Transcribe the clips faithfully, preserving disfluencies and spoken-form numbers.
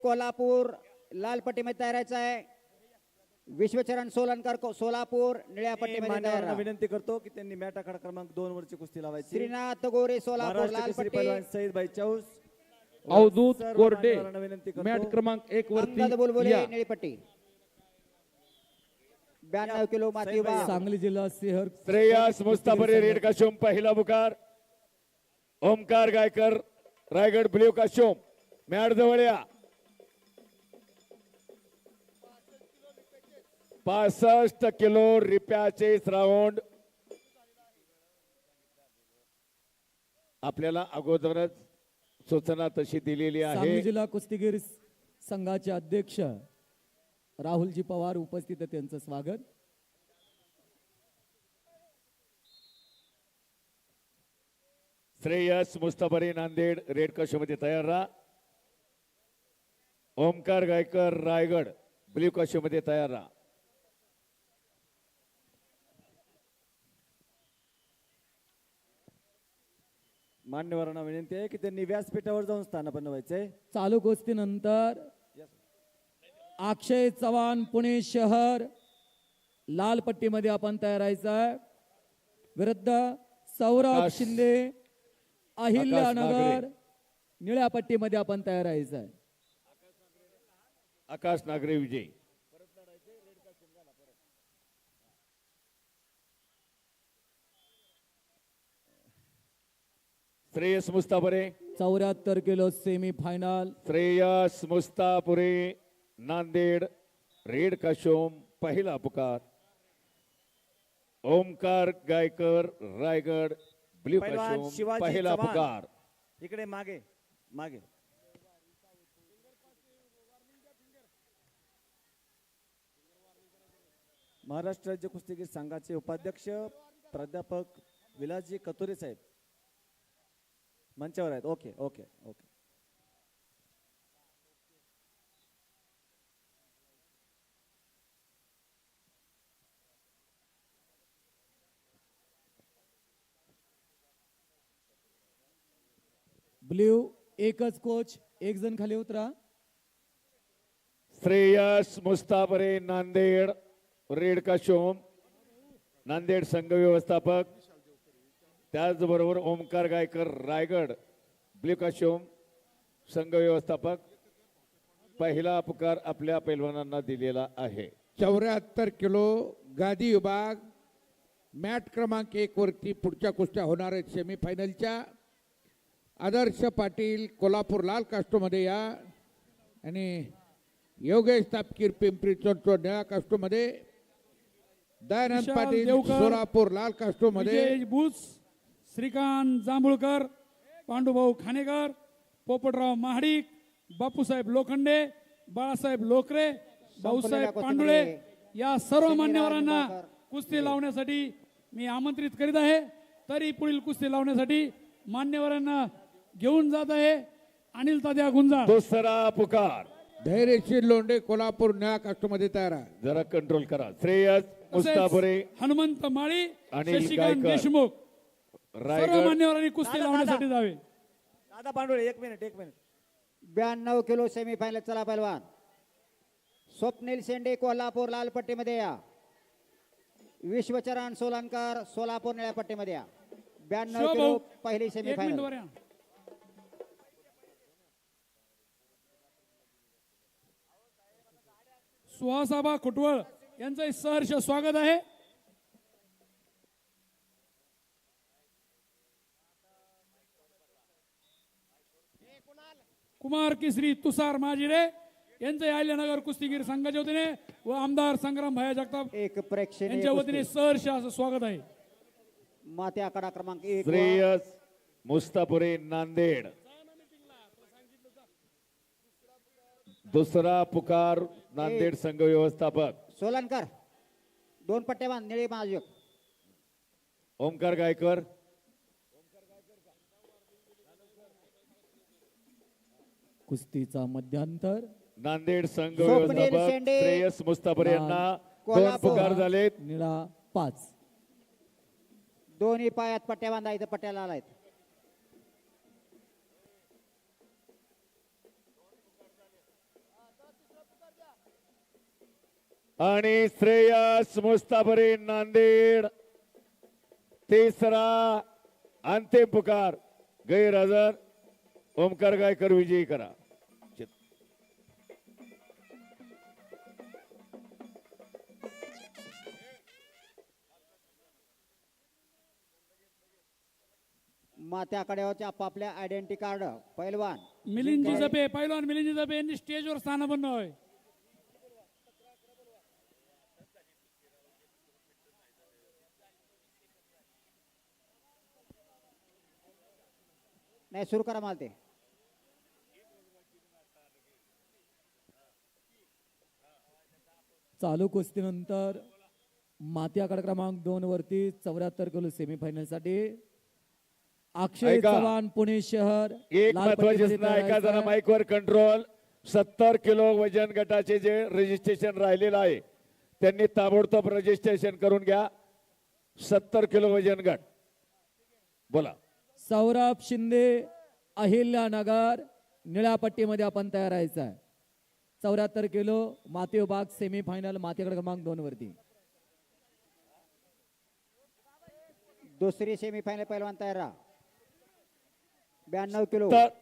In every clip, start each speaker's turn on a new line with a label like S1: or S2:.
S1: कोल्हापूर लाल पट्टीमध्ये तयारायचा आहे. विश्वचरण सोलनकर को- सोलापूर निळ्या पट्टीमध्ये तयार
S2: मान्यवरांना
S1: राहा.
S2: विनंती करतो की त्यांनी मॅट आखाडा क्रमांक दोन वरची कुस्ती लावायची.
S1: श्रीनाथ गोरे सोलापूर
S2: महाराष्ट्र
S1: लाल
S2: केसरी
S1: पट्टी.
S2: पैलवान सईदभाई चौस
S3: अवधूत
S2: सर्व
S3: कोरडे
S2: मान्यवरांना विनंती करतो.
S3: मॅट क्रमांक एक
S1: अंगद
S3: वरती
S1: बुलबुले
S3: या.
S1: निळी पट्टी. ब्याण्णव किलो माती विभाग.
S4: सांगली जिल्हा सिंहर
S5: श्रेयस मुस्ताफरी रेड काशोम पहिला पुकार. ओमकार गायकर रायगड ब्ल्यू काशोम मॅट जवळ या. पासष्ट किलो रिप्याचे राऊंड आपल्याला अगोदरच सूचना तशी दिलेली
S4: सांगली
S5: आहे.
S4: जिल्हा कुस्तीगीर संघाचे अध्यक्ष राहुलजी पवार उपस्थित आहेत, त्यांचं स्वागत.
S5: श्रेयस मुस्ताफरी नांदेड रेड काशोमध्ये तयार राहा. ओमकार गायकर रायगड ब्ल्यू काशोमध्ये तयार राहा.
S2: मान्यवरांना विनंती आहे की त्यांनी व्यासपीठावर जाऊन स्थानापन्न व्हायचंय.
S4: चालू कुस्तीनंतर अक्षय चव्हाण पुणे शहर लाल पट्टीमध्ये आपण तयारायचा आहे. विरुद्ध सौरभ
S5: आकाश-
S4: शिंदे अहिल्यानगर
S5: नागरे.
S4: निळ्या पट्टीमध्ये आपण तयारायचं आहे.
S5: आकाश नागरे विजय. श्रेयस मुस्ताफरे
S4: चौऱ्याहत्तर kilo semi final.
S5: Shreyas Mustapure Nanded red काशोम पहिला पुकार. ओमकार गायकर रायगड ब्ल्यू
S2: पैलवान
S5: काशोम
S2: शिवाजी
S5: पहिला
S2: चव्हाण.
S5: पुकार.
S2: इकडे मागे मागे महाराष्ट्र राज्य कुस्तीगीर संघाचे उपाध्यक्ष प्राध्यापक विलासजी कतुरे साहेब मंचावर आहेत. ओके ओके ओके
S4: ब्ल्यू एकच कोच, एक जण खाली उतरा.
S5: श्रेयस मुस्ताफरे नांदेड रेड काशोम नांदेड संघ व्यवस्थापक. त्याचबरोबर ओमकार गायकर रायगड ब्ल्यू काशोम संघ व्यवस्थापक. पहिला पुकार आपल्या पैलवानांना दिलेला आहे.
S6: चौऱ्याहत्तर किलो गादी विभाग मॅट क्रमांक एक वरती पुढच्या कुस्त्या होणार आहेत. सेमीफायनलच्या आदर्श पाटील कोल्हापूर लाल कास्टोमध्ये या आणि योगेश तापकीर पिंपरी चिंचवड निळ्या कास्टोमध्ये. दयानंद
S7: विशाल
S6: पाटील
S7: देवकर,
S6: सोलापूर लाल कास्टोमध्ये.
S7: विजय बुस, श्रीकांत जांभूळकर, पांडुभाऊ खानेकर, पोपटराव महाडिक, बापूसाहेब लोखंडे, बाळासाहेब लोकरे, भाऊसाहेब पांडुळे या सर्व मान्यवरांना कुस्ती लावण्यासाठी मी आमंत्रित करीत आहे. तरी पुढील कुस्ती लावण्यासाठी मान्यवरांना घेऊन जात आहे अनिल तात्या गुंजाळ.
S5: दुसरा पुकार.
S6: धैर्यशील लोंढे कोल्हापूर निळ्या कास्टोमध्ये तयार आहे.
S5: जरा कंट्रोल करा. श्रेयस मुस्ताफरे
S7: हनुमंत माळी,
S5: अनिल
S7: शशिकांत
S5: गायकर,
S7: देशमुख सर्व
S5: रायगड
S7: मान्यवरांनी कुस्ती
S2: दादा,
S7: लावण्यासाठी
S2: दादा.
S7: जावे.
S2: दादा पांडुळे एक मिनिट एक मिनिट
S1: ब्याण्णव किलो सेमीफायनल. चला पहिलवान. स्वप्नील शेंडे कोल्हापूर लाल पट्टीमध्ये या. विश्वचरण सोलनकर सोलापूर निळ्या पट्टीमध्ये या. ब्याण्णव
S7: शिवभाऊ,
S1: किलो पहिली
S7: एक मिनिट
S1: सेमीफायनल.
S7: वर या. सुहासाबा खुटवळ यांचं सहर्ष स्वागत आहे. कुमार केसरी तुषार माजिरे यांचे अहिल्यानगर कुस्तीगीर संघाच्या वतीने व आमदार संग्राम भाया जगताप
S1: एक प्रेक्षणीय
S7: यांच्या वतीने
S1: कुस्ती.
S7: सहर्ष असं स्वागत आहे.
S1: माती आकडा क्रमांक एक वर.
S5: श्रेयस मुस्ताफरे नांदेड. दुसरा पुकार नांदेड संघ व्यवस्थापक.
S1: सोलनकर दोन पट्ट्या बांध निळी महाजोग.
S5: ओमकार गायकर
S4: कुस्तीचा मध्यांतर.
S5: नांदेड संघ
S1: स्वप्नील
S5: व्यवस्थापक
S1: शेंडे,
S5: श्रेयस मुस्ताफरे यांना दोन
S1: कोल्हापूर.
S5: पुकार झालेत.
S4: निळा पाच.
S1: दोन्ही पायात पट्ट्या बांधा. इथं पट्ट्याला आलायत.
S5: आणि श्रेयस मुस्ताफरी नांदेड तिसरा अंतिम पुकार गैरहजर ओमकार गायकर विजयी करा.
S1: मात्या आखाड्यावरचे आपापल्या आयडेंटिटी कार्ड पैलवान
S7: मिलिंदजी जपे पैलवान मिलिंदजी जपे यांनी स्टेजवर स्थानापन्न होय.
S1: नाही सुरू करा मला ते.
S4: चालू कुस्तीनंतर माती आखाडा क्रमांक दोन वरती चौऱ्याहत्तर किलो सेमीफायनल साठी अक्षय
S5: ऐका.
S4: चव्हाण पुणे शहर
S5: एक
S4: लाल
S5: महत्वाची
S4: पट्टीमध्ये
S5: सूचना ऐका
S4: तयार
S5: जरा
S4: आहे.
S5: माईकवर कंट्रोल. सत्तर किलो वजन गटाचे जे रजिस्ट्रेशन राहिलेलं आहे त्यांनी ताबडतोब रजिस्ट्रेशन करून घ्या. सत्तर किलो वजन गट बोला.
S4: सौरभ शिंदे अहिल्यानगर निळ्या पट्टीमध्ये आपण तयार राहायचं आहे. चौऱ्याहत्तर किलो माती विभाग सेमीफायनल माती आखाडा क्रमांक दोन वरती.
S1: दुसरी सेमीफायनल पैलवान तयार राहा. ब्याण्णव किलो
S5: तर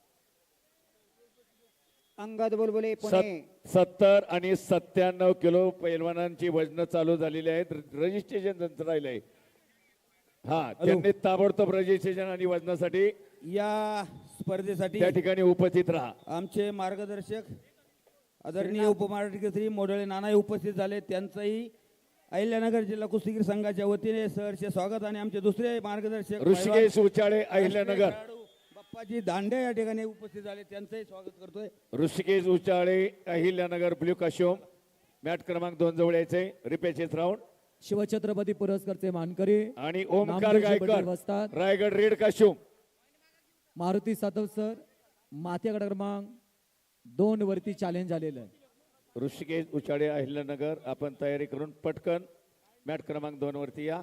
S1: अंगद बुलबुले पुणे.
S5: सत- सत्तर आणि सत्त्याण्णव किलो पैलवानांची वजन चालू झालेली आहेत. रजिस्ट्रेशन त्यांचं राहिलंय. हा त्यांनी ताबडतोब रजिस्ट्रेशन आणि वजनासाठी
S8: या स्पर्धेसाठी
S5: त्या ठिकाणी उपस्थित राहा.
S8: आमचे मार्गदर्शक आदरणीय उपमहाराष्ट्र मोडळे नाना उपस्थित झाले. त्यांचंही अहिल्यानगर जिल्हा कुस्तीगीर संघाच्या वतीने सहर्ष स्वागत. आणि आमचे दुसरे मार्गदर्शक
S5: ऋषिकेश उचाळे अहिल्यानगर.
S8: खेळाडू बाप्पाजी दांडे या ठिकाणी उपस्थित झाले. त्यांचंही स्वागत करतोय.
S5: ऋषिकेश उचाळे अहिल्यानगर ब्ल्यू काशोम मॅट क्रमांक दोन जवळ यायचे. रिपेचेस राऊंड
S4: शिवछत्रपती पुरस्कारचे मानकरी
S5: आणि ओमकार
S4: नामदेवजी
S5: गायकर
S4: पटेल वस्ताद.
S5: रायगड रेड काशोम.
S4: मारुती सातव सर माती आखाडा क्रमांक दोन वरती चॅलेंज झालेलं आहे.
S5: ऋषिकेश उचाळे अहिल्यानगर आपण तयारी करून पटकन मॅट क्रमांक दोन वरती या.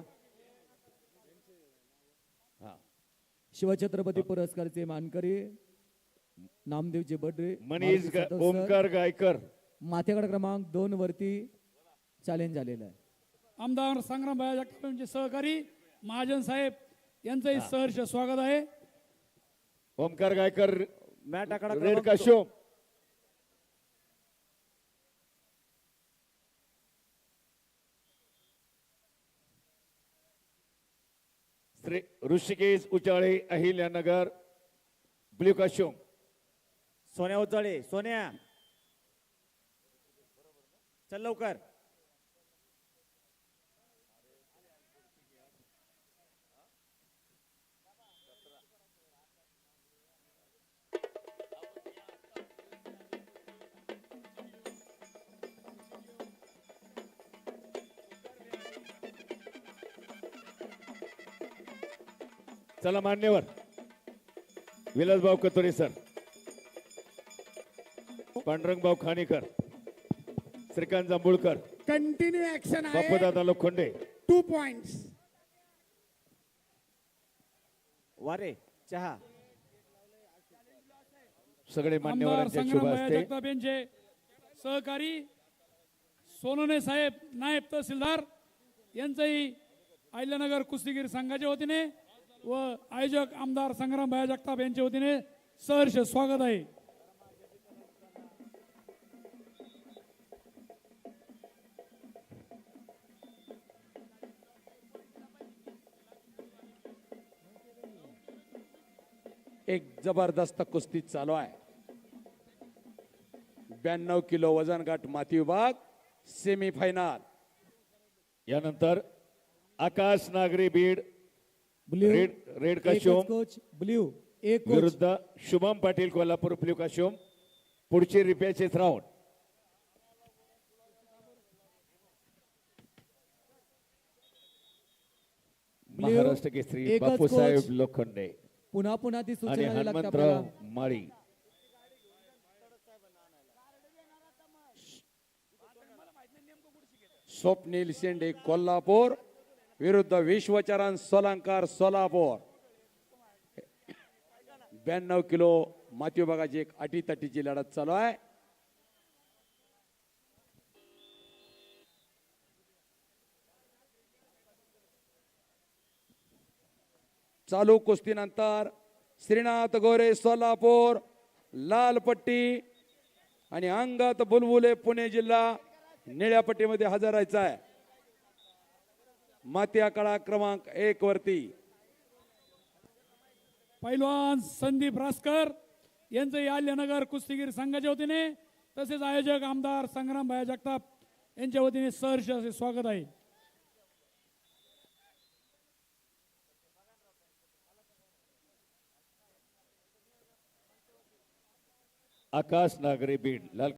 S5: हा
S4: शिवछत्रपती पुरस्कारचे मानकरी नामदेवजी बडरे
S5: मनीष
S4: मारुती
S5: गा-
S4: सातव सर,
S5: ओमकार गायकर
S4: माती आखाडा क्रमांक दोन वरती चॅलेंज झालेलं आहे.
S7: आमदार संग्राम भाई जगताप यांचे सहकारी महाजन साहेब यांचंही सहर्ष स्वागत आहे.
S5: ओमकार गायकर
S2: मॅट आखाडा
S5: रेड
S2: क्रमांक
S5: काशोम. श्री ऋषिकेश उचाळे अहिल्यानगर ब्ल्यू काशोम.
S2: सोन्या उचळे. सोन्या चल लवकर.
S5: चला मान्यवर Vilasbhau Katore sir, Pandurangbhau Khanekar, Shrikant Jambhulkar,
S6: continue action आहे.
S5: बापूदादा लोखंडे.
S6: Two points.
S2: वारे चहा.
S5: सगळे
S7: आमदार
S5: मान्यवरांच्या शुभ
S7: संग्राम भाई
S5: असते.
S7: जगताप यांचे सहकारी सोनोने साहेब नायब तहसीलदार यांचंही अहिल्यानगर कुस्तीगीर संघाच्या वतीने व आयोजक आमदार संग्राम भाई जगताप यांच्या वतीने सहर्ष स्वागत आहे.
S9: एक जबरदस्त कुस्ती चालू आहे. ब्याण्णव किलो वजन गट माती विभाग सेमीफायनल.
S5: यानंतर आकाश नागरी बीड
S4: ब्ल्यू
S5: रेड रेड
S4: एकच
S5: काशोम
S4: कोच ब्ल्यू एक कोच
S5: विरुद्ध शुभम पाटील कोल्हापूर ब्ल्यू काशोम. पुढचे repechage round.
S4: Blue
S5: Maharashtra Kesari
S4: एकच
S5: बापूसाहेब
S4: कोच.
S5: लोखंडे
S4: पुन्हा पुन्हा ती
S5: आणि
S4: सूचना द्यावी लागते
S5: हनुमंतराव
S4: आपल्याला.
S5: माळी.
S9: स्वप्नील शेंडे कोल्हापूर विरुद्ध विश्वचरण सोलांकर सोलापूर. ब्याण्णव किलो माती विभागाची एक अटीतटीची लढत चालू आहे. चालू कुस्तीनंतर श्रीनाथ गोरे सोलापूर लाल पट्टी आणि अंगात बुलबुले पुणे जिल्हा निळ्या पट्टीमध्ये हजर राहायचा आहे. माती आकडा क्रमांक एक वरती
S7: पैलवान संदीप रासकर यांचं आल्यनगर कुस्तीगीर संघाच्या वतीने तसेच आयोजक आमदार संग्राम भाया जगताप यांच्या वतीने सहर्ष असे स्वागत आहे.
S5: आकाश नागरे बीड लाल